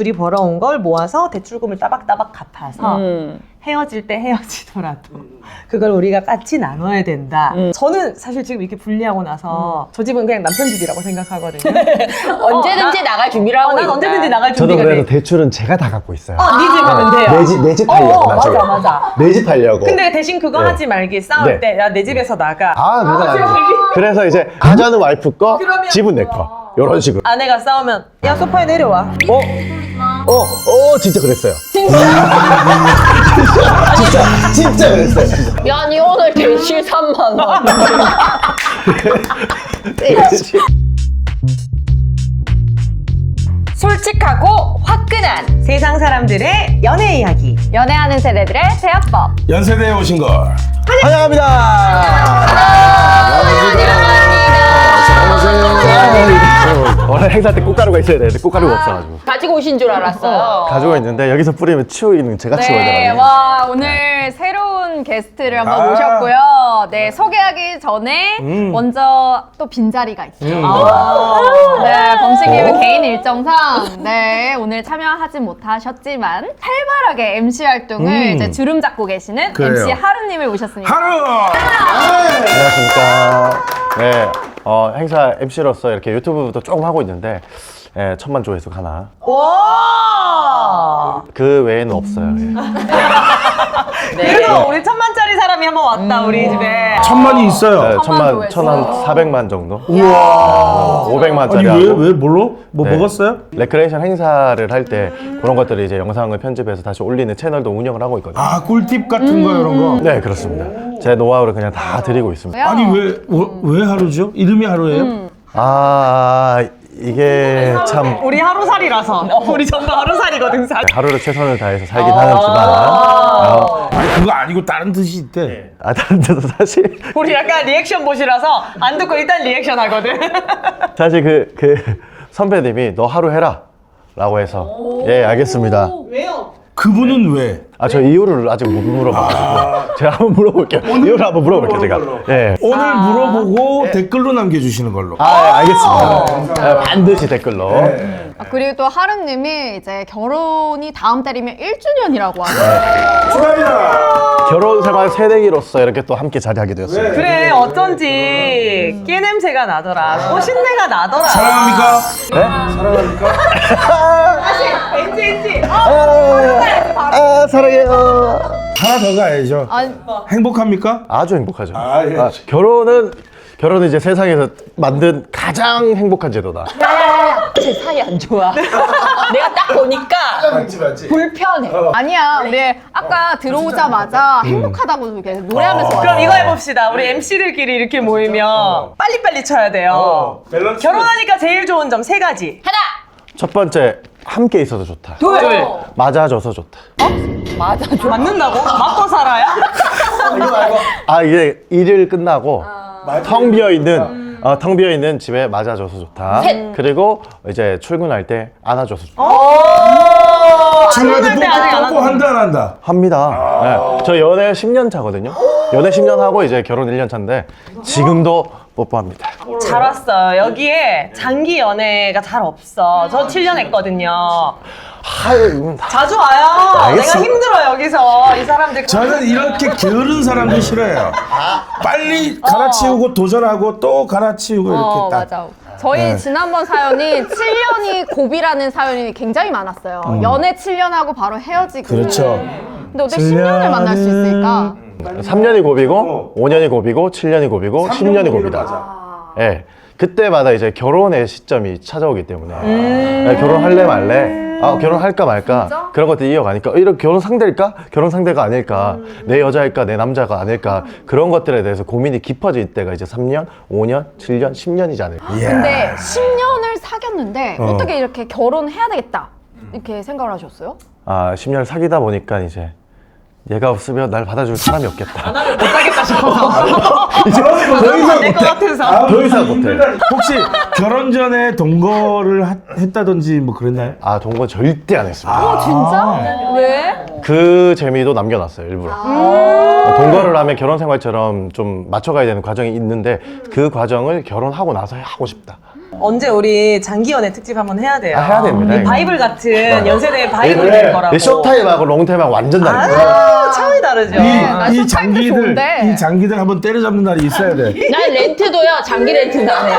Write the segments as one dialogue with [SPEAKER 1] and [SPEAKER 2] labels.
[SPEAKER 1] 둘이 벌어온 걸 모아서 대출금을 따박따박 갚아서 헤어질 때 헤어지더라도 그걸 우리가 같이 나눠야 된다. 저는 사실 지금 이렇게 분리하고 나서 저 집은 그냥 남편 집이라고 생각하거든요.
[SPEAKER 2] 언제든지 나갈 준비를 하고
[SPEAKER 1] 난
[SPEAKER 2] 있다.
[SPEAKER 1] 언제든지 나갈
[SPEAKER 3] 저도
[SPEAKER 1] 준비가
[SPEAKER 3] 그래서
[SPEAKER 1] 돼.
[SPEAKER 3] 대출은 제가 다 갖고 있어요.
[SPEAKER 1] 네 집은 돼요.
[SPEAKER 3] 내 집 하려고 나중에.
[SPEAKER 1] 맞아.
[SPEAKER 3] 내 집 하려고.
[SPEAKER 1] 근데 대신 그거
[SPEAKER 3] 네.
[SPEAKER 1] 하지 말기. 싸울
[SPEAKER 3] 네.
[SPEAKER 1] 때 야 내 집에서 나가.
[SPEAKER 3] 누가 그래서 이제 가자는 와이프 거, 집은 내 거. 이런 식으로.
[SPEAKER 1] 아내가 싸우면 야 소파에 내려와.
[SPEAKER 3] 진짜 그랬어요.
[SPEAKER 2] 진짜?
[SPEAKER 3] 진짜 그랬어요. 진짜.
[SPEAKER 2] 야, 니 오늘 대실 3만 원.
[SPEAKER 1] 솔직하고 화끈한 세상 사람들의 연애 이야기.
[SPEAKER 2] 연애하는 세대들의 대화법.
[SPEAKER 4] 연세대에 오신 걸
[SPEAKER 3] 환영합니다. 원래 행사 때 꽃가루가 있어야 되는데 꽃가루가 없어가지고
[SPEAKER 2] 가지고 오신 줄 알았어요.
[SPEAKER 3] 가지고 있는데 여기서 뿌리면 치우기는 제가 치워야
[SPEAKER 5] 네,
[SPEAKER 3] 되거든요.
[SPEAKER 5] 와 오늘 새로운 게스트를 한번 모셨고요. 네, 소개하기 전에 먼저 또 빈자리가 있어요. 네, 범식님은 개인 일정상 네 오늘 참여하지 못하셨지만 활발하게 MC 활동을 이제 주름 잡고 계시는
[SPEAKER 4] 그래요.
[SPEAKER 5] MC 하루님을 모셨습니다.
[SPEAKER 4] 하루
[SPEAKER 3] 안녕하십니까. 네, 행사 MC로서 이렇게 유튜브도 조금 하고 있는데 천만 조회수 하나.
[SPEAKER 1] 와.
[SPEAKER 3] 그 외에는 없어요.
[SPEAKER 1] 그래도 우리 1000만짜리 사람이 한번 왔다 우리 집에.
[SPEAKER 4] 천만이 있어요.
[SPEAKER 3] 천만,
[SPEAKER 5] 조회수.
[SPEAKER 3] 한 400만 정도?
[SPEAKER 4] 우와.
[SPEAKER 3] 500만짜리
[SPEAKER 4] 아니
[SPEAKER 3] 하고.
[SPEAKER 4] 왜 뭘로? 뭐
[SPEAKER 3] 네.
[SPEAKER 4] 먹었어요?
[SPEAKER 3] 레크레이션 행사를 할 때 그런 것들을 이제 영상을 편집해서 다시 올리는 채널도 운영을 하고 있거든요.
[SPEAKER 4] 아 꿀팁 같은 거 이런 거.
[SPEAKER 3] 네, 그렇습니다. 제 노하우를 그냥 다 드리고 있습니다.
[SPEAKER 4] 아니 왜 하루죠? 이름이 하루예요?
[SPEAKER 3] 이게 참
[SPEAKER 1] 우리 하루살이라서. 우리 전부 하루살이거든 살.
[SPEAKER 3] 하루를 최선을 다해서 살긴 하지만
[SPEAKER 4] 아니 그거 아니고 다른 뜻이 있대.
[SPEAKER 3] 다른 데도 사실
[SPEAKER 1] 우리 약간 리액션 보시라서 안 듣고 일단 리액션 하거든.
[SPEAKER 3] 사실 그 선배님이 너 하루 해라 라고 해서 예 알겠습니다.
[SPEAKER 1] 왜요?
[SPEAKER 4] 그분은 왜?
[SPEAKER 3] 저 이유를 아직 못 물어봐가지고 제가 한번 물어볼게요. 이유를 한번 물어볼게요 제가. 예.
[SPEAKER 4] 오늘 물어보고 댓글로 남겨주시는 걸로.
[SPEAKER 3] 알겠습니다. 반드시 댓글로.
[SPEAKER 5] 그리고 또 하루님이 이제 결혼이 다음 달이면 1주년이라고 하네요.
[SPEAKER 4] 축하합니다.
[SPEAKER 3] 결혼 생활 새내기로서 이렇게 또 함께 자리하게 되었습니다.
[SPEAKER 1] 그래 어쩐지 깨 냄새가 나더라. 꽃신내가 나더라.
[SPEAKER 4] 사랑합니까?
[SPEAKER 3] 네?
[SPEAKER 4] 사랑합니까?
[SPEAKER 1] 엔지.
[SPEAKER 3] 사랑해요.
[SPEAKER 4] 하나 더 가야죠.
[SPEAKER 5] 아니,
[SPEAKER 4] 행복합니까?
[SPEAKER 3] 아주 행복하죠.
[SPEAKER 4] 예.
[SPEAKER 3] 결혼은 이제 세상에서 만든 가장 행복한 제도다.
[SPEAKER 2] 제 사이 안 좋아. 내가 딱 보니까
[SPEAKER 4] 맞지.
[SPEAKER 2] 불편해.
[SPEAKER 5] 아니야. 우리 아까 들어오자마자 행복하다고 이렇게 노래하면서
[SPEAKER 1] 그럼
[SPEAKER 5] 왔어요.
[SPEAKER 1] 이거 해봅시다. 우리 MC들끼리 이렇게 모이면 빨리빨리 쳐야 돼요.
[SPEAKER 4] 밸런스.
[SPEAKER 1] 결혼하니까 제일 좋은 점 3가지.
[SPEAKER 2] 하나,
[SPEAKER 3] 첫 번째, 함께 있어서 좋다.
[SPEAKER 1] 둘.
[SPEAKER 3] 맞아줘서 좋다.
[SPEAKER 2] 맞아.
[SPEAKER 1] 맞는다고? 맞고 살아야?
[SPEAKER 3] 이게 일을 끝나고 텅 비어 있는 집에 맞아줘서 좋다.
[SPEAKER 2] 셋.
[SPEAKER 3] 그리고 이제 출근할 때 안아줘서 좋다.
[SPEAKER 4] 친구한테
[SPEAKER 1] 때 아직 안
[SPEAKER 4] 뽀뽀 한다 안 한다?
[SPEAKER 3] 합니다. 네. 저 연애 10년 차거든요. 연애 10년 하고 이제 결혼 1년 차인데 지금도 뽀뽀합니다.
[SPEAKER 1] 잘 왔어요. 여기에 장기 연애가 잘 없어. 저 7년 했거든요. 자주 와요.
[SPEAKER 3] 알겠습니다.
[SPEAKER 1] 내가 힘들어 여기서 이 사람들.
[SPEAKER 4] 저는 이렇게 게으른 사람들 싫어해요. 빨리 갈아치우고 도전하고 또 갈아치우고 이렇게 딱.
[SPEAKER 5] 맞아. 저희 지난번 사연이 7년이 고비라는 사연이 굉장히 많았어요. 연애 7년하고 바로 헤어지고.
[SPEAKER 4] 그렇죠.
[SPEAKER 5] 근데 어떻게 10년을 만날 수 있을까?
[SPEAKER 3] 3년이 고비고 5년이 고비고 7년이 고비고 10년이 고비다. 예. 그때마다 이제 결혼의 시점이 찾아오기 때문에 예, 결혼할래 말래 결혼할까 말까 그런 것들 이어가니까 이런 결혼 상대일까? 결혼 상대가 아닐까? 내 여자일까? 내 남자가 아닐까? 그런 것들에 대해서 고민이 깊어질 때가 이제 3년, 5년, 7년, 10년이지 않을까?
[SPEAKER 5] 근데 10년을 사귀었는데 어떻게 이렇게 결혼해야 되겠다 이렇게 생각을 하셨어요?
[SPEAKER 3] 10년 사귀다 보니까 이제 얘가 없으면 날 받아줄 사람이 없겠다.
[SPEAKER 1] 못 가겠다 싶어서.
[SPEAKER 3] 더 이상
[SPEAKER 1] 안될 것
[SPEAKER 3] 못해.
[SPEAKER 1] 같아서.
[SPEAKER 3] 더 이상 못해.
[SPEAKER 4] 혹시 결혼 전에 동거를 했다든지 뭐 그랬나요?
[SPEAKER 3] 동거 절대 안 했습니다.
[SPEAKER 5] 진짜? 왜?
[SPEAKER 3] 그 재미도 남겨놨어요, 일부러. 동거를 하면 결혼 생활처럼 좀 맞춰가야 되는 과정이 있는데 그 과정을 결혼하고 나서 하고 싶다.
[SPEAKER 1] 언제 우리 장기 연애 특집 한번 해야 돼요.
[SPEAKER 3] 아, 해야 됩니다,
[SPEAKER 1] 이
[SPEAKER 3] 이거.
[SPEAKER 1] 바이블 같은 연세대의 바이블 될 거라고.
[SPEAKER 3] 쇼타임하고 롱타임하고 완전 다르죠.
[SPEAKER 1] 차이 다르죠.
[SPEAKER 4] 이
[SPEAKER 5] 쇼타임도 좋은데.
[SPEAKER 4] 이 장기들 한번 때려잡는 날이 있어야 돼.
[SPEAKER 2] 난 렌트도요. 장기 렌트 나네요.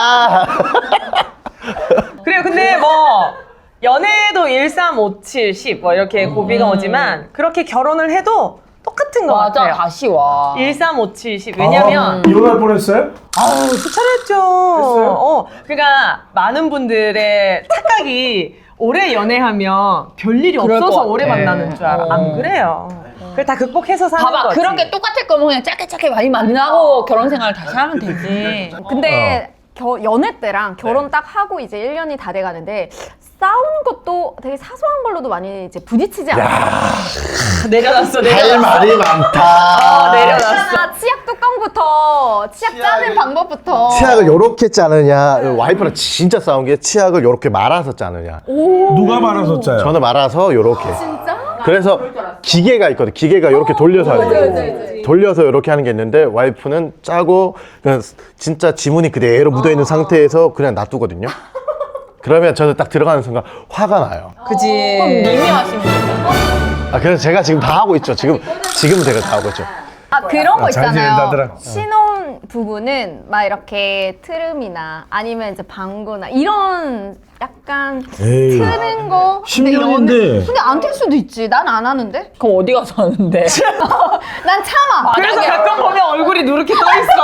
[SPEAKER 1] 그래요. 근데 뭐 연애도 1, 3, 5, 7, 10 뭐 이렇게 고비가 오지만 그렇게 결혼을 해도 똑같은 것
[SPEAKER 2] 맞아,
[SPEAKER 1] 같아요.
[SPEAKER 2] 다시 와.
[SPEAKER 1] 1, 3, 5, 7, 10. 왜냐면
[SPEAKER 4] 이혼할 뻔했어요?
[SPEAKER 1] 아우 수차례했죠. 그러니까 많은 분들의 착각이 오래 연애하면 별일이
[SPEAKER 2] 그럴
[SPEAKER 1] 없어서
[SPEAKER 2] 것
[SPEAKER 1] 오래
[SPEAKER 2] 같아.
[SPEAKER 1] 만나는 줄 알아. 안 그래요. 그걸 다 극복해서 사는
[SPEAKER 2] 봐봐,
[SPEAKER 1] 거지.
[SPEAKER 2] 그렇게 똑같을 거면 그냥 짧게 많이 만나고 결혼 생활 다시 하면 되지.
[SPEAKER 5] 근데 연애 때랑 결혼 딱 하고 이제 1년이 다 돼가는데 싸우는 것도 되게 사소한 걸로도 많이 이제 부딪히지 않아요?
[SPEAKER 1] 내려놨어.
[SPEAKER 3] 할 말이 많다.
[SPEAKER 1] 내려놨어.
[SPEAKER 5] 치약 뚜껑부터 치약 짜는 방법부터
[SPEAKER 3] 치약을 요렇게 짜느냐, 와이프랑 진짜 싸운 게 치약을 요렇게 말아서 짜느냐.
[SPEAKER 4] 누가 말아서 짜요?
[SPEAKER 3] 저는 말아서 요렇게.
[SPEAKER 5] 진짜?
[SPEAKER 3] 그래서 기계가 있거든. 기계가 이렇게 돌려서 하는 거. 돌려서 이렇게 하는 게 있는데 와이프는 짜고 그냥 진짜 지문이 그대로 묻어 있는 상태에서 그냥 놔두거든요. 그러면 저는 딱 들어가는 순간 화가 나요.
[SPEAKER 1] 그지.
[SPEAKER 2] 님이 하시는 거예요?
[SPEAKER 3] 아, 그래서 제가 지금 다 하고 있죠. 지금 제가 다 하고 있죠.
[SPEAKER 5] 아 그런 거
[SPEAKER 4] 잘
[SPEAKER 5] 있잖아요.
[SPEAKER 4] 지낸다더라.
[SPEAKER 5] 신혼 부부는 막 이렇게 트름이나 아니면 이제 방구나 이런 약간
[SPEAKER 4] 에이.
[SPEAKER 5] 트는 거.
[SPEAKER 4] 10년인데.
[SPEAKER 5] 근데 안 틀 수도 있지. 난 안 하는데.
[SPEAKER 2] 그럼 어디 가서 하는데?
[SPEAKER 5] 난 참아.
[SPEAKER 1] 그래서 가끔 보면 얼굴이 누렇게 떠 있어.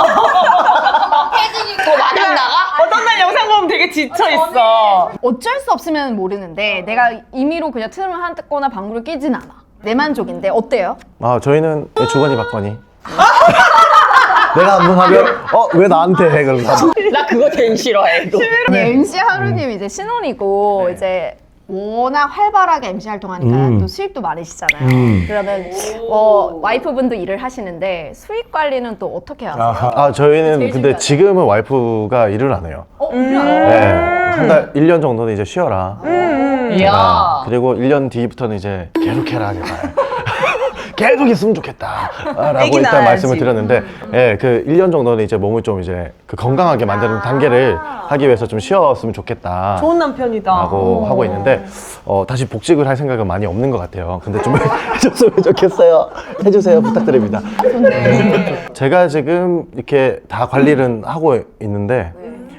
[SPEAKER 2] 더 마당 나가?
[SPEAKER 1] 어떤 날 영상 보면 되게 지쳐 있어.
[SPEAKER 5] 어쩔 수 없으면 모르는데 내가 임의로 그냥 트름을 하거나 방구를 끼진 않아. 내 만족인데 어때요?
[SPEAKER 3] 아, 저희는 주거니 받거니. 내가 한번 하면 왜 나한테 해? 그러면서
[SPEAKER 2] 나 그거 제일 싫어해. 이거.
[SPEAKER 5] MC 하루님 이제 신혼이고 이제 워낙 활발하게 MC 활동하니까 또 수입도 많으시잖아요. 그러면 와이프분도 일을 하시는데 수입 관리는 또 어떻게 하세요?
[SPEAKER 3] 아, 저희는 근데 지금은 와이프가 일을 안 해요. 네. 한 달 1년 정도는 이제 쉬어라.
[SPEAKER 2] 이야.
[SPEAKER 3] 그리고 1년 뒤부터는 이제 계속 해라, 제발. 계속 있으면 좋겠다. 라고
[SPEAKER 1] 애기
[SPEAKER 3] 일단
[SPEAKER 1] 낳아야지.
[SPEAKER 3] 말씀을 드렸는데, 예, 그 1년 정도는 이제 몸을 좀 이제 그 건강하게 만드는 단계를 하기 위해서 좀 쉬었으면 좋겠다.
[SPEAKER 1] 좋은 남편이다.
[SPEAKER 3] 라고 하고 있는데, 다시 복직을 할 생각은 많이 없는 것 같아요. 근데 좀 해줬으면 좋겠어요. 해주세요. 부탁드립니다. 제가 지금 이렇게 다 관리를 하고 있는데,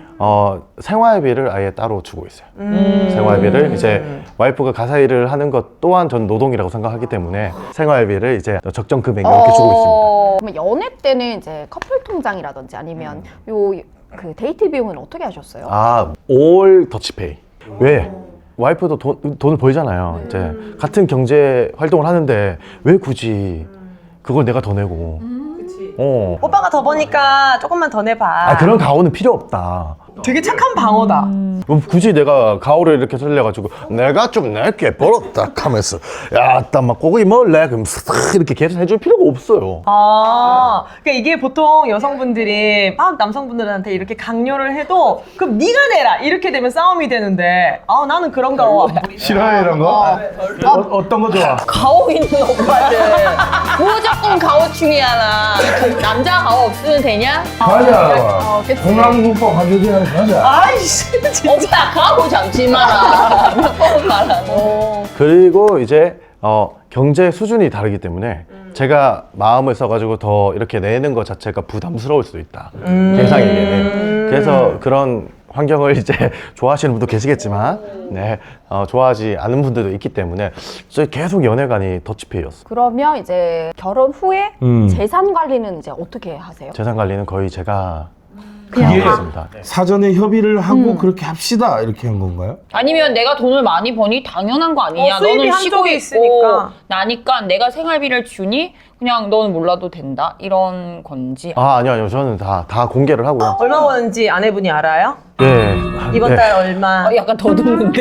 [SPEAKER 3] 생활비를 아예 따로 주고 있어요. 생활비를 이제 와이프가 가사 일을 하는 것 또한 전 노동이라고 생각하기 때문에 생활비를 이제 적정 금액 이렇게 주고 있습니다.
[SPEAKER 5] 그러면 연애 때는 이제 커플 통장이라든지 아니면 요 그 데이트 비용은 어떻게 하셨어요?
[SPEAKER 3] 아, 올 더치페이. 왜? 와이프도 돈을 벌잖아요. 이제 같은 경제 활동을 하는데 왜 굳이 그걸 내가 더 내고.
[SPEAKER 1] 오빠가 더 버니까 조금만 더 내봐.
[SPEAKER 3] 아, 그런 가오는 필요 없다.
[SPEAKER 1] 되게 착한 방어다.
[SPEAKER 3] 뭐 굳이 내가 가오를 이렇게 설레가지고 내가 좀 낼게 벌었다 하면서 야, 딱 막 고기 먹을래? 그럼 싹 이렇게 계속 해줄 필요가 없어요.
[SPEAKER 1] 아, 그러니까 이게 보통 여성분들이 막 남성분들한테 이렇게 강요를 해도 그럼 네가 내라 이렇게 되면 싸움이 되는데 나는 그런 거
[SPEAKER 4] 싫어해 이런 거? 어떤 거 좋아?
[SPEAKER 2] 가오 있는 오빠들. 무조건 가오충이야, 나. 남자 가오 없으면 되냐?
[SPEAKER 4] 가자.
[SPEAKER 5] 그치.
[SPEAKER 4] 공항국밥 가족이랑 가자.
[SPEAKER 1] 아이씨 진짜.
[SPEAKER 2] 오빠 가오 잡지 마라. 몇 번 말하고.
[SPEAKER 3] 그리고 이제 경제 수준이 다르기 때문에 제가 마음을 써가지고 더 이렇게 내는 것 자체가 부담스러울 수도 있다. 계상에게는. 그래서 그런 환경을 이제 좋아하시는 분도 계시겠지만, 네, 좋아하지 않은 분들도 있기 때문에 저희 계속 연애관이 더치페이였어.
[SPEAKER 5] 그러면 이제 결혼 후에 재산 관리는 이제 어떻게 하세요?
[SPEAKER 3] 재산 관리는 거의 제가
[SPEAKER 4] 그게
[SPEAKER 3] 하고 있습니다.
[SPEAKER 4] 사전에 협의를 하고 그렇게 합시다 이렇게 한 건가요?
[SPEAKER 2] 아니면 내가 돈을 많이 버니 당연한 거 아니냐?
[SPEAKER 1] 수입이
[SPEAKER 2] 너는
[SPEAKER 1] 한쪽에
[SPEAKER 2] 쉬고
[SPEAKER 1] 있으니까.
[SPEAKER 2] 있고 나니까 내가 생활비를 주니 그냥 너는 몰라도 된다 이런 건지.
[SPEAKER 3] 아니요. 저는 다 공개를 하고요.
[SPEAKER 1] 얼마 버는지 아내분이 알아요?
[SPEAKER 3] 네.
[SPEAKER 1] 이번 달 얼마?
[SPEAKER 2] 약간 더 듣는데.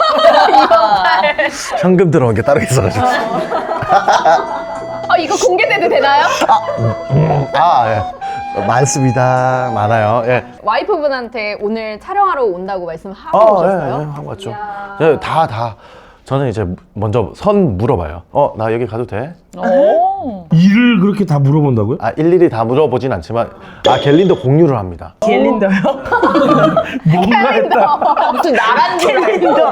[SPEAKER 3] 현금 들어온 게 따로 있어가지고.
[SPEAKER 5] 이거 공개돼도 되나요?
[SPEAKER 3] 예. 많습니다. 많아요. 예.
[SPEAKER 5] 와이프분한테 오늘 촬영하러 온다고 말씀하고
[SPEAKER 3] 예,
[SPEAKER 5] 오셨어요?
[SPEAKER 3] 하고 왔죠. 예, 다 저는 이제 먼저 물어봐요. 나 여기 가도 돼?
[SPEAKER 2] 오.
[SPEAKER 4] 일을 그렇게 다 물어본다고요?
[SPEAKER 3] 일일이 다 물어보진 않지만 갤린더 공유를 합니다.
[SPEAKER 1] 갤린더요?
[SPEAKER 4] 뭔가 했다.
[SPEAKER 2] 무슨 나란
[SPEAKER 1] 갤린더.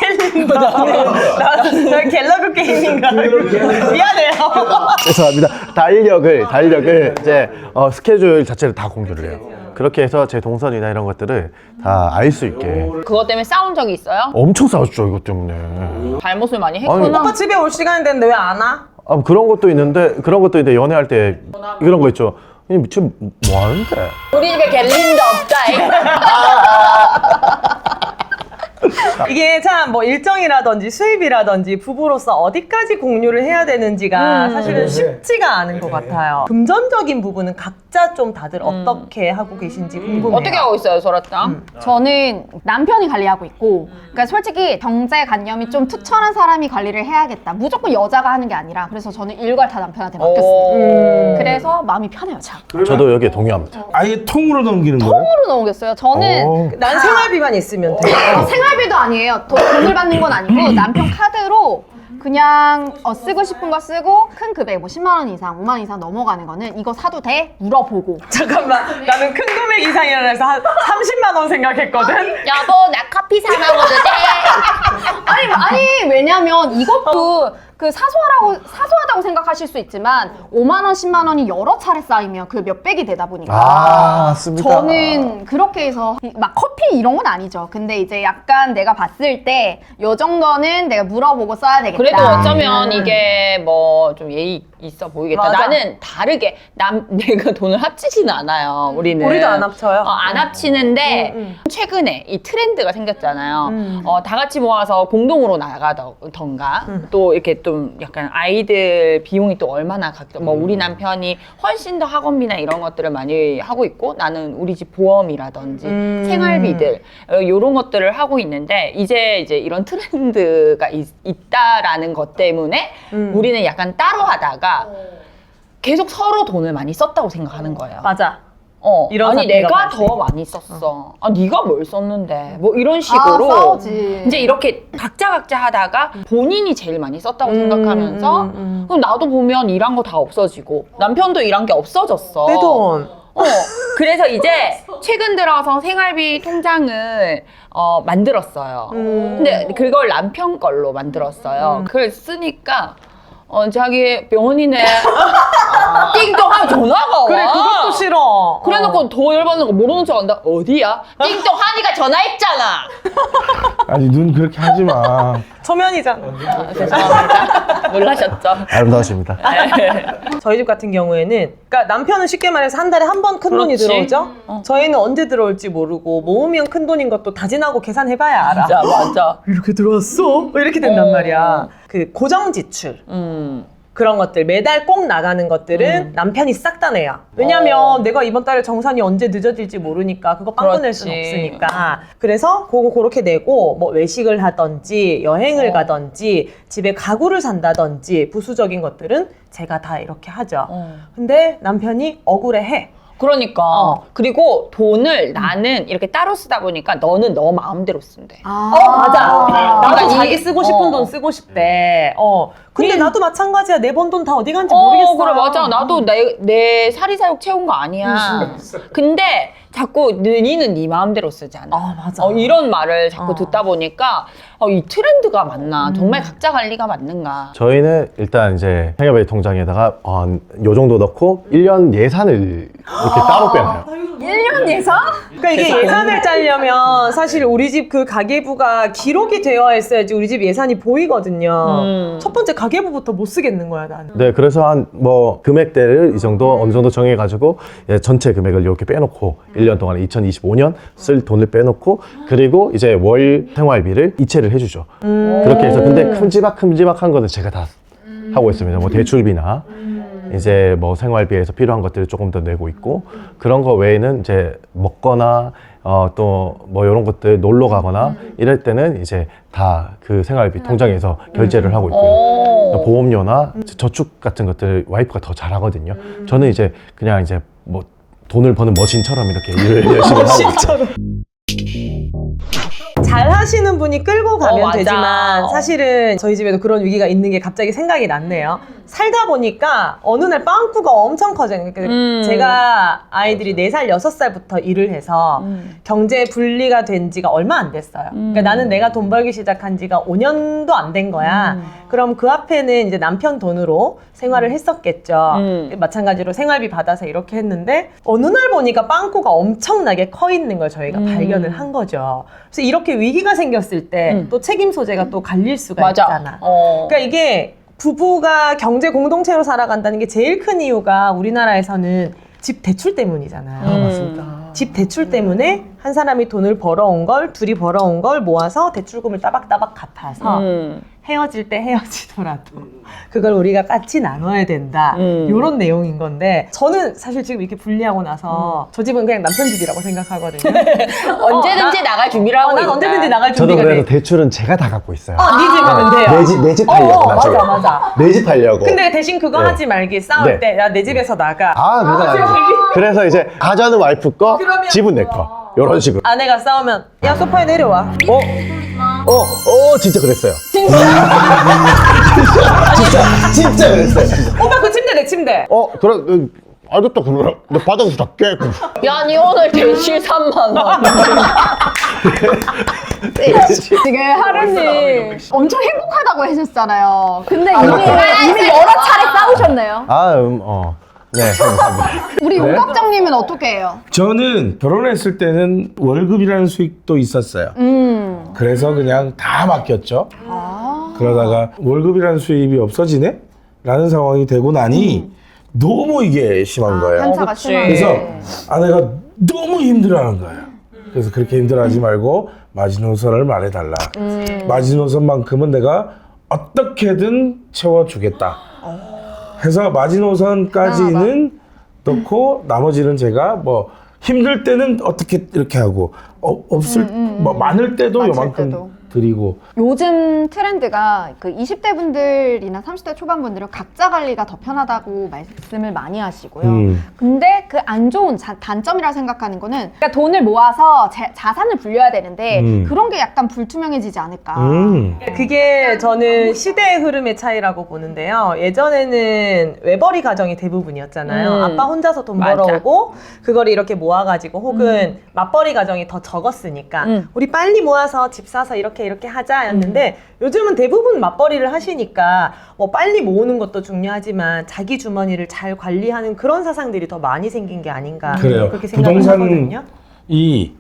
[SPEAKER 1] 나 갤러그 게임인가? 미안해요.
[SPEAKER 3] 죄송합니다. 달력을 이제 스케줄 자체를 다 공유를 해요. 그렇게 해서 제 동선이나 이런 것들을 다 알 수 있게.
[SPEAKER 2] 그것 때문에 싸운 적이 있어요?
[SPEAKER 3] 엄청 싸웠죠, 이것 때문에.
[SPEAKER 2] 잘못을 많이 했구나.
[SPEAKER 1] 오빠 집에 올 시간이 됐는데 왜 안 와?
[SPEAKER 3] 그런 것도 있는데 연애할 때 이런 거 있죠. 지금 뭐 하는데?
[SPEAKER 2] 우리 집에 갤린더 없다.
[SPEAKER 1] 이게 참 뭐 일정이라든지 수입이라든지 부부로서 어디까지 공유를 해야 되는지가 사실은 쉽지가 않은 것 같아요. 금전적인 부분은 각자 좀 다들 어떻게 하고 계신지 궁금해요.
[SPEAKER 2] 어떻게 하고 있어요, 소라짱?
[SPEAKER 5] 저는 남편이 관리하고 있고, 그러니까 솔직히 경제관념이 좀 투철한 사람이 관리를 해야겠다. 무조건 여자가 하는 게 아니라, 그래서 저는 일괄 다 남편한테 맡겼어요. 그래서 마음이 편해요, 참.
[SPEAKER 3] 저도 여기에 동의합니다.
[SPEAKER 4] 아예 통으로 넘기는 거예요?
[SPEAKER 5] 통으로 넘겼어요. 저는
[SPEAKER 1] 난 생활비만 있으면 돼.
[SPEAKER 5] 생활비도 아니에요. 돈을 받는 건 아니고 남편 카드로 그냥 쓰고 싶은 거 쓰고 큰 금액 뭐 10만 원 이상, 5만 원 이상 넘어가는 거는 이거 사도 돼? 물어보고.
[SPEAKER 1] 잠깐만, 나는 큰 금액 이상이라 해서 한 30만 원 생각했거든.
[SPEAKER 2] 여보, 나 커피 사 먹어도 돼?
[SPEAKER 5] 아니 왜냐면 이것도 그 사소하다고 생각하실 수 있지만 5만 원, 10만 원이 여러 차례 쌓이면 그 몇백이 되다 보니까
[SPEAKER 3] 맞습니다.
[SPEAKER 5] 저는 그렇게 해서 막 커피 이런 건 아니죠. 근데 이제 약간 내가 봤을 때 요 정도는 내가 물어보고 써야 되겠다.
[SPEAKER 2] 그래도 어쩌면 이게 뭐 좀 예의 있어 보이겠다.
[SPEAKER 1] 맞아.
[SPEAKER 2] 나는 다르게 내가 돈을 합치지는 않아요. 우리는
[SPEAKER 1] 우리도 안 합쳐요.
[SPEAKER 2] 안 합치는데 최근에 이 트렌드가 생겼잖아요. 다 같이 모아서 공동으로 나가던가 또 이렇게 좀 약간 아이들 비용이 또 얼마나 뭐 우리 남편이 훨씬 더 학원비나 이런 것들을 많이 하고 있고 나는 우리 집 보험이라든지 생활비들 이런 것들을 하고 있는데 이제 이런 트렌드가 있다라는 것 때문에 우리는 약간 따로 하다가 계속 서로 돈을 많이 썼다고 생각하는 거예요.
[SPEAKER 1] 맞아. 이런
[SPEAKER 2] 아니
[SPEAKER 1] 사태가
[SPEAKER 2] 내가
[SPEAKER 1] 발생.
[SPEAKER 2] 더 많이 썼어. 네가 뭘 썼는데 뭐 이런 식으로
[SPEAKER 5] 싸우지.
[SPEAKER 2] 이제 이렇게 각자 하다가 본인이 제일 많이 썼다고 생각하면서 그럼 나도 보면 일한 거 다 없어지고 남편도 일한 게 없어졌어.
[SPEAKER 1] 내 돈.
[SPEAKER 2] 그래서 이제 최근 들어서 생활비 통장을 만들었어요. 근데 그걸 남편 걸로 만들었어요. 그걸 쓰니까 자기 병원이네. 띵동 하면 전화가 와.
[SPEAKER 1] 그래, 그것도 싫어.
[SPEAKER 2] 그래놓고 더 열받는 거 모르는 척 한다. 어디야? 띵동 하니까 전화했잖아.
[SPEAKER 4] 아니 눈 그렇게 하지 마.
[SPEAKER 1] 초면이잖아.
[SPEAKER 2] 죄송합니다. 놀라셨죠?
[SPEAKER 3] 아름다우십니다.
[SPEAKER 1] 저희 집 같은 경우에는, 그러니까 남편은 쉽게 말해서 한 달에 한 번 큰 돈이
[SPEAKER 2] 그렇지.
[SPEAKER 1] 들어오죠. 저희는 언제 들어올지 모르고 모으면 큰 돈인 것도 다진하고 계산해봐야 알아.
[SPEAKER 2] 맞아.
[SPEAKER 1] 이렇게 들어왔어? 이렇게 된단 말이야. 그 고정 지출. 그런 것들 매달 꼭 나가는 것들은 남편이 싹 다 내요. 왜냐면 내가 이번 달에 정산이 언제 늦어질지 모르니까 그거 빵 꺼낼 수는
[SPEAKER 2] 그렇지.
[SPEAKER 1] 없으니까. 그래서 그거 그렇게 내고 뭐 외식을 하든지 여행을 가든지 집에 가구를 산다든지 부수적인 것들은 제가 다 이렇게 하죠. 근데 남편이 억울해해.
[SPEAKER 2] 그러니까 그리고 돈을 나는 이렇게 따로 쓰다 보니까 너는 너 마음대로 쓴대.
[SPEAKER 1] 맞아. 나도
[SPEAKER 2] 그러니까
[SPEAKER 1] 자기 쓰고 싶은 돈 쓰고 싶대. 근데 나도 마찬가지야. 내 번 돈 다 어디 간지
[SPEAKER 2] 모르겠어.
[SPEAKER 1] 모르겠어.
[SPEAKER 2] 그래 맞아. 나도 내 사리사욕 채운 거 아니야. 근데 자꾸 니는 네 마음대로 쓰잖아.
[SPEAKER 1] 맞아.
[SPEAKER 2] 이런 말을 자꾸 듣다 보니까 이 트렌드가 맞나? 정말 각자 관리가 맞는가?
[SPEAKER 3] 저희는 일단 이제 생활비 통장에다가 요 정도 넣고 1년 예산을 이렇게 따로 빼놔요.
[SPEAKER 5] 1년 예산?
[SPEAKER 1] 그러니까 이게 예산을 짜려면 사실 우리 집 그 가계부가 기록이 되어 있어야지 우리 집 예산이 보이거든요. 첫 번째 가계부부터 못 쓰겠는 거야, 나는.
[SPEAKER 3] 네, 그래서 한 뭐 금액대를 이 정도 어느 정도 정해가지고 전체 금액을 이렇게 빼놓고 1년 동안 2025년 쓸 돈을 빼놓고 그리고 이제 월 생활비를 이체를 해주죠. 그렇게 해서 근데 큼지막한 거는 제가 다 하고 있습니다. 뭐 대출비나 이제 뭐 생활비에서 필요한 것들을 조금 더 내고 있고 그런 거 외에는 이제 먹거나 또 뭐 이런 것들 놀러 가거나 이럴 때는 이제 다 그 생활비 통장에서 결제를 하고 있고요. 보험료나 저축 같은 것들 와이프가 더 잘하거든요. 저는 이제 그냥 이제 뭐 돈을 버는 머신처럼 이렇게 일을 열심히 하고 있어요.
[SPEAKER 1] 잘 하시는 분이 끌고 가면
[SPEAKER 2] 맞아.
[SPEAKER 1] 되지만 사실은 저희 집에도 그런 위기가 있는 게 갑자기 생각이 났네요. 살다 보니까 어느 날 빵꾸가 엄청 커져요. 그러니까 제가 아이들이 4살, 6살부터 일을 해서 경제 분리가 된 지가 얼마 안 됐어요. 그러니까 나는 내가 돈 벌기 시작한 지가 5년도 안 된 거야. 그럼 그 앞에는 이제 남편 돈으로 생활을 했었겠죠. 마찬가지로 생활비 받아서 이렇게 했는데 어느 날 보니까 빵꾸가 엄청나게 커 있는 걸 저희가 발견을 한 거죠. 그래서 이렇게 위기가 생겼을 때 또 책임 소재가 또 갈릴 수가
[SPEAKER 2] 맞아.
[SPEAKER 1] 있잖아. 그러니까 이게 부부가 경제 공동체로 살아간다는 게 제일 큰 이유가 우리나라에서는 집 대출 때문이잖아요.
[SPEAKER 4] 맞습니다.
[SPEAKER 1] 집 대출 때문에 한 사람이 돈을 벌어온 걸, 둘이 벌어온 걸 모아서 대출금을 따박따박 갚아서 헤어질 때 헤어지더라도 그걸 우리가 같이 나눠야 된다. 이런 내용인 건데 저는 사실 지금 이렇게 분리하고 나서 저 집은 그냥 남편 집이라고 생각하거든요.
[SPEAKER 2] 언제든지 나갈 준비를 하고
[SPEAKER 1] 난
[SPEAKER 2] 있다.
[SPEAKER 1] 언제든지 나갈
[SPEAKER 3] 저도
[SPEAKER 1] 준비가
[SPEAKER 3] 그래서
[SPEAKER 1] 돼.
[SPEAKER 3] 대출은 제가 다 갖고 있어요.
[SPEAKER 1] 네 집이면 돼요.
[SPEAKER 3] 내 집 하려고 나중에.
[SPEAKER 1] 맞아.
[SPEAKER 3] 내 집 하려고.
[SPEAKER 1] 근데 대신 그거
[SPEAKER 3] 네.
[SPEAKER 1] 하지 말기. 싸울
[SPEAKER 3] 네.
[SPEAKER 1] 때 야 내 집에서 나가.
[SPEAKER 3] 그건 아니지. 그래서 이제 가자는 와이프 거,
[SPEAKER 1] 그러면
[SPEAKER 3] 집은 내 거. 이런 식으로.
[SPEAKER 1] 아내가 싸우면 야 소파에 내려와.
[SPEAKER 3] 진짜 그랬어요.
[SPEAKER 1] 진짜?
[SPEAKER 3] 진짜 그랬어요. 진짜.
[SPEAKER 1] 오빠 그 침대 내 침대.
[SPEAKER 3] 그래, 알겠다, 그러라. 내 바닥에서 다 깨고.
[SPEAKER 2] 야, 니 오늘 대실 3만 원.
[SPEAKER 5] 지금 하루님 엄청 행복하다고 하셨잖아요. 근데 이미 여러 차례 싸우셨네요.
[SPEAKER 3] 네, 감사합니다.
[SPEAKER 5] 우리 용각장님은 어떻게 해요?
[SPEAKER 4] 저는 결혼했을 때는 월급이라는 수익도 있었어요. 그래서 그냥 다 맡겼죠. 그러다가 월급이라는 수입이 없어지네? 라는 상황이 되고 나니 너무 이게 심한 거예요.
[SPEAKER 5] 편차가
[SPEAKER 2] 그치.
[SPEAKER 5] 심하게.
[SPEAKER 4] 그래서 아내가 너무 힘들어하는 거예요. 그래서 그렇게 힘들어하지 말고 마지노선을 말해달라. 마지노선만큼은 내가 어떻게든 채워주겠다. 해서 마지노선까지는 넣고 나머지는 제가 뭐 힘들 때는 어떻게 이렇게 하고 없을 뭐 많을 때도
[SPEAKER 5] 많을
[SPEAKER 4] 요만큼
[SPEAKER 5] 때도.
[SPEAKER 4] 드리고.
[SPEAKER 5] 요즘 트렌드가 그 20대 분들이나 30대 초반 분들은 각자 관리가 더 편하다고 말씀을 많이 하시고요. 근데 그 안 좋은 단점이라 생각하는 거는 그러니까 돈을 모아서 자산을 불려야 되는데 그런 게 약간 불투명해지지 않을까.
[SPEAKER 1] 그게 저는 시대의 흐름의 차이라고 보는데요. 예전에는 외벌이 가정이 대부분이었잖아요. 아빠 혼자서 돈
[SPEAKER 2] 맞아.
[SPEAKER 1] 벌어오고 그걸 이렇게 모아가지고 혹은 맞벌이 가정이 더 적었으니까 우리 빨리 모아서 집 사서 이렇게 하자였는데 요즘은 대부분 맞벌이를 하시니까 뭐 빨리 모으는 것도 중요하지만 자기 주머니를 잘 관리하는 그런 사상들이 더 많이 생긴 게 아닌가
[SPEAKER 4] 그래요.
[SPEAKER 1] 그렇게 생각을 하거든요.
[SPEAKER 4] 부동산이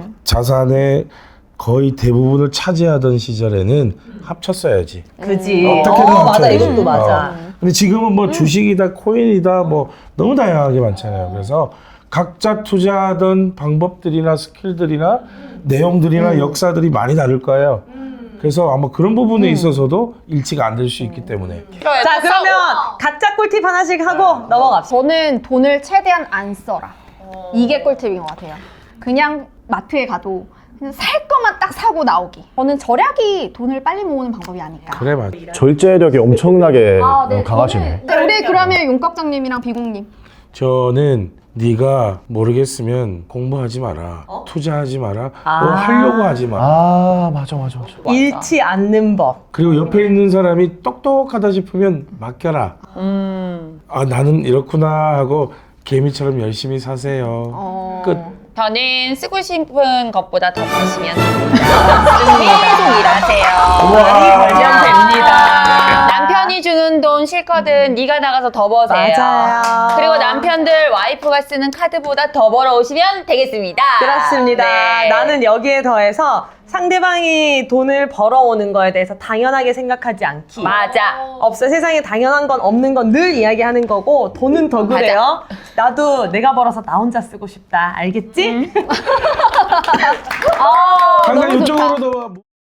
[SPEAKER 4] 자산의 거의 대부분을 차지하던 시절에는 합쳤어야지.
[SPEAKER 1] 그지.
[SPEAKER 4] 어떻게든
[SPEAKER 1] 맞아.
[SPEAKER 4] 합쳐야지.
[SPEAKER 1] 이것도 맞아.
[SPEAKER 4] 근데 지금은 뭐 주식이다, 코인이다, 뭐 너무 다양하게 많잖아요. 그래서 각자 투자하던 방법들이나 스킬들이나 내용들이나 역사들이 많이 다를 거예요. 그래서 아마 그런 부분에 있어서도 일치가 안 될 수 있기 때문에.
[SPEAKER 1] 자, 그러면 각자 꿀팁 하나씩 하고 넘어갑시다.
[SPEAKER 5] 저는 돈을 최대한 안 써라. 이게 꿀팁인 것 같아요. 그냥 마트에 가도 그냥 살 것만 딱 사고 나오기. 저는 절약이 돈을 빨리 모으는 방법이 아닐까.
[SPEAKER 4] 그래 맞아.
[SPEAKER 3] 절제력이 엄청나게 강하시네.
[SPEAKER 5] 네, 우리 그러면 용각장님이랑 비공님.
[SPEAKER 4] 저는 네가 모르겠으면 공부하지 마라, 투자하지 마라, 뭐 하려고 하지 마.
[SPEAKER 3] 맞아.
[SPEAKER 1] 잃지 않는 법.
[SPEAKER 4] 그리고 옆에 있는 사람이 똑똑하다 싶으면 맡겨라. 나는 이렇구나 하고 개미처럼 열심히 사세요. 끝.
[SPEAKER 2] 저는 쓰고 싶은 것보다 더 버시면 됩니다. 계속 일하세요.
[SPEAKER 1] 많이 벌면 됩니다.
[SPEAKER 2] 남편이 주는 돈 싫거든. 네가 나가서 더 버세요.
[SPEAKER 1] 맞아요.
[SPEAKER 2] 그리고 남편들 와이프가 쓰는 카드보다 더 벌어오시면 되겠습니다.
[SPEAKER 1] 그렇습니다.
[SPEAKER 2] 네.
[SPEAKER 1] 나는 여기에 더해서 상대방이 돈을 벌어오는 거에 대해서 당연하게 생각하지 않기.
[SPEAKER 2] 맞아.
[SPEAKER 1] 없어. 세상에 당연한 건 없는 건 늘 이야기하는 거고 돈은 더 그래요. 나도 내가 벌어서 나 혼자 쓰고 싶다. 알겠지?
[SPEAKER 4] 항상
[SPEAKER 5] 너무 좋다.
[SPEAKER 4] 이쪽으로 더 와.